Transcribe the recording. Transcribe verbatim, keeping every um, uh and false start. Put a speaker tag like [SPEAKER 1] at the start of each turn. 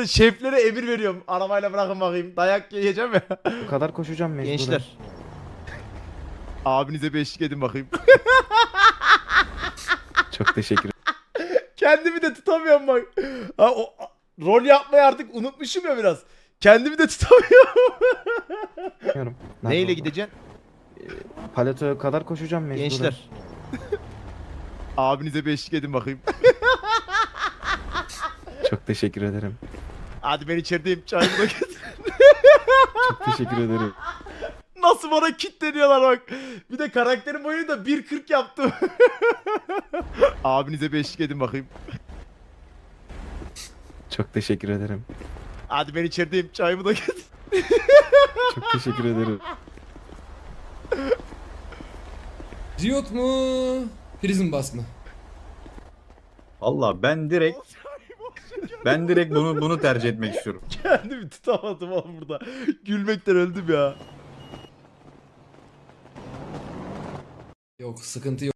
[SPEAKER 1] böyle şeflere emir veriyorum. Arabayla bırakın bakayım. Dayak yiyeceğim ya.
[SPEAKER 2] Bu kadar koşacağım mecburen.
[SPEAKER 1] Gençler. Abinize bir eşlik edin bakayım.
[SPEAKER 2] Çok teşekkür
[SPEAKER 1] Kendimi de tutamıyorum bak. Ha, o, rol yapmayı artık unutmuşum ya biraz. Kendimi de tutamıyorum.
[SPEAKER 2] ediyorum. Nerede
[SPEAKER 1] Neyle
[SPEAKER 2] oldu?
[SPEAKER 1] gideceksin?
[SPEAKER 2] Paletoya kadar koşacağım mecburen.
[SPEAKER 1] Gençler. Abinize bir eşlik edin bakayım.
[SPEAKER 2] Çok teşekkür ederim.
[SPEAKER 1] Hadi ben içerideyim. Çayımı da getir.
[SPEAKER 2] Çok teşekkür ederim.
[SPEAKER 1] Nasıl bana kitleniyorlar bak. Bir de karakterin boyunu da bir kırk yaptım. Abinize bir eşlik edin bakayım.
[SPEAKER 2] Çok teşekkür ederim.
[SPEAKER 1] Hadi ben içerideyim. Çayımı da getir.
[SPEAKER 2] Çok teşekkür ederim.
[SPEAKER 3] Riot mu? Prison Bus mı?
[SPEAKER 4] Valla ben direkt ben direkt bunu bunu tercih etmek istiyorum.
[SPEAKER 1] Kendimi tutamadım oğlum burada. Gülmekten öldüm ya.
[SPEAKER 3] Yok, sıkıntı yok.